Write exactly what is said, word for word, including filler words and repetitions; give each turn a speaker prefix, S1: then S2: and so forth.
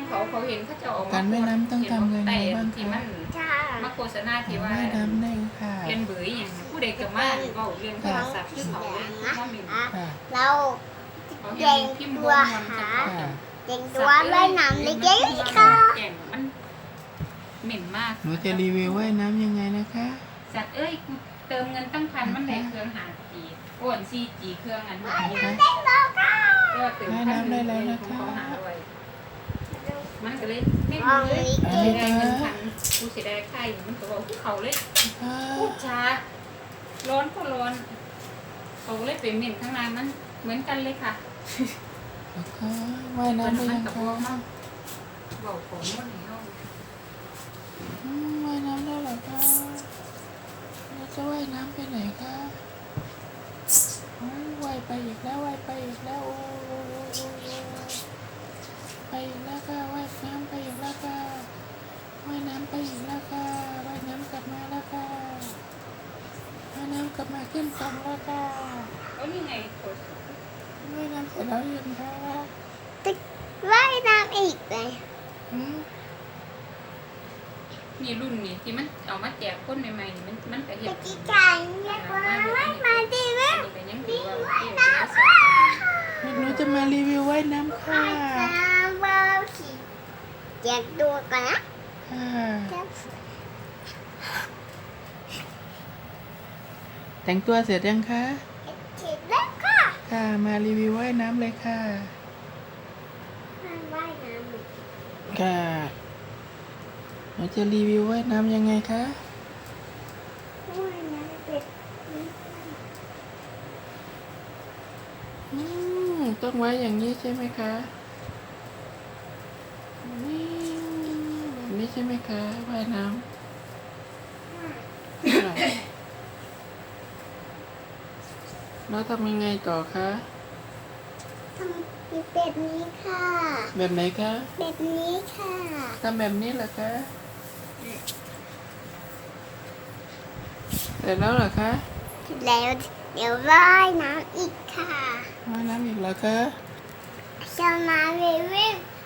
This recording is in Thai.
S1: เขาเขาเห็นเขาจะออก
S2: การว่ายน้ำต้องทำยังไงบ้างคะ
S1: ที่มันมาโฆษณาที่ว่า
S2: ว่ายน้ำได้ค่ะ
S1: เรียนเบื่ออย่างผู้ใดกับมาเว้าเรื่องโทรศัพท์คือเขาเลยคือเขาหมิ่น
S2: ค่ะ
S3: เรา
S1: เขา
S3: เก่
S1: เห็
S3: ง
S1: นพิมพ์บ
S3: ตัวน
S1: มัน
S3: หา
S1: จะ
S2: ค่ะ
S3: เก่งตัวว่ายน้ำเล็กๆค่ะ
S1: แก่งมันเหม็นมาก
S2: หนูจะรีวิวว่ายน้ำยังไงนะคะ
S1: สัตว์เอ้ยกูเติมเงินตั้งพันมันได้เครื่องหาจีโอนซีจีเครื่องอันหาอยู่ก็เติมพันหนึ่งเลยของเขาหาด้วยมันก็เลยไม่มีเลยจะได้เงินพันกูเสียดายไข่มันก็บอกเขาเลย
S2: อ่า
S1: พูดช้าร้อนก็ร้อนเขาเลยเป็นเหม็นข้างในมันเหมือนกันเลยค่ะ
S2: แล้วก็ว่ายน้ำได้ยัง
S1: กับ
S2: คะ
S1: พ่อมั่งบอกผมว่าในห้อง
S2: อืมว่ายน้ำได้เหรอคะเราจะว่ายน้ำไปไหนคะอ๋อว่ายไปอีกแล้วว่ายไปอีกแล้วโอ้โอ้โอ้โอ้โอ้ไปอีกแล้วค่ะว่ายน้ำไปอีกแล้วค่ะว่ายน้ำไปอีกแล้วค่ะว่ายน้ำกลับมาแล้วค่ะว่ายน้ำกลับมาขึ้นฝั่งแล้วค่ะ
S1: แล้วนี่ไงกด
S2: ว่ายน้ำเสร็จแล้วยังคะ
S3: ว่ายน้ำอีกเลย
S2: อืม
S1: มีรุ่นนี้ที่มันเอามาแจกคนใหม่ๆนี่มันมันก็เห็
S3: ไป
S1: น
S3: กี่กันเรียกว่าว่ายมาดีไหม
S1: อันนี้ก็ยังถือว่าโอเคเป็นสัตว์
S2: หนูจะมารีวิวว่ายน้ำค่ะ
S3: ว่ายน้ำบ้าขี่เจ็บตัวก่อนนะ
S2: ค่ะ
S3: เจ็บ
S2: แต่งตัวเสร็จยังคะ
S3: เจ็บแล้วค่ะ
S2: ค่ะมารีวิวว่ายน้ำเลยค่ะ
S3: ว่ายน้ำอีก
S2: ค่ะเราจะรีวิวว่ายน้ำยังไงคะ
S3: ว่ายน้ำเป็ด
S2: อืมต้องไว้อย่างนี้ใช่ไหมคะนี่แบบนี้ใช่ไหมคะว่ายน้ำค่ะแล้วทำยังไงต่อคะ
S3: ทำมีเป็ดนี้ค่ะ
S2: แบบไหนคะ
S3: เป็ดนี้ค่ะ
S2: ทำแบบนี้เหรอคะเสร็จแล้วเหรอคะ
S3: แล้วเดี๋ยวว่ายน้ำอีกค่ะ
S2: ว่ายน้ำอีกเหรอคะ
S3: จะมารีวิว